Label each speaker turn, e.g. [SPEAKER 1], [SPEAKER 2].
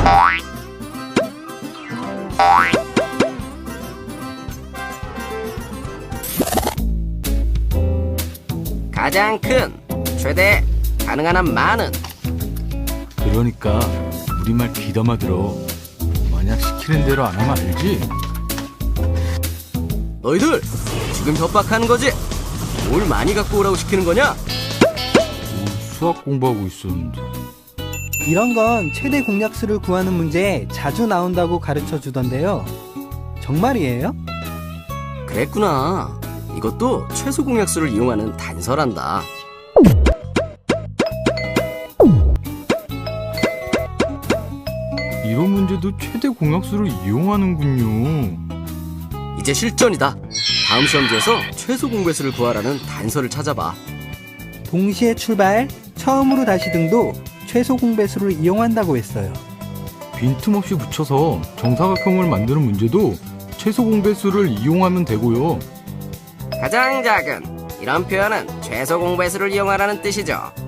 [SPEAKER 1] 가장 큰, 최대, 가능한 한 많은.
[SPEAKER 2] 그러니까 우리말 귀담아 들어. 만약 시키는 대로 안 하면 알지?
[SPEAKER 1] 너희들 지금 협박하는 거지? 뭘 많이 갖고 오라고 시키는 거냐?
[SPEAKER 2] 수학 공부하고 있었는데.
[SPEAKER 3] 이런 건 최대 공약수를 구하는 문제에 자주 나온다고 가르쳐 주던데요. 정말이에요?
[SPEAKER 1] 그랬구나. 이것도 최소 공약수를 이용하는 단서란다.
[SPEAKER 2] 이런 문제도 최대 공약수를 이용하는군요.
[SPEAKER 1] 이제 실전이다. 다음 시험지에서 최소 공배수를 구하라는 단서를 찾아봐.
[SPEAKER 3] 동시에 출발, 처음으로 다시 등도 최소 공배수를 이용한다고 했어요.
[SPEAKER 2] 빈틈없이 붙여서 정사각형을 만드는 문제도 최소 공배수를 이용하면 되고요.
[SPEAKER 1] 가장 작은, 이런 표현은 최소 공배수를 이용하라는 뜻이죠.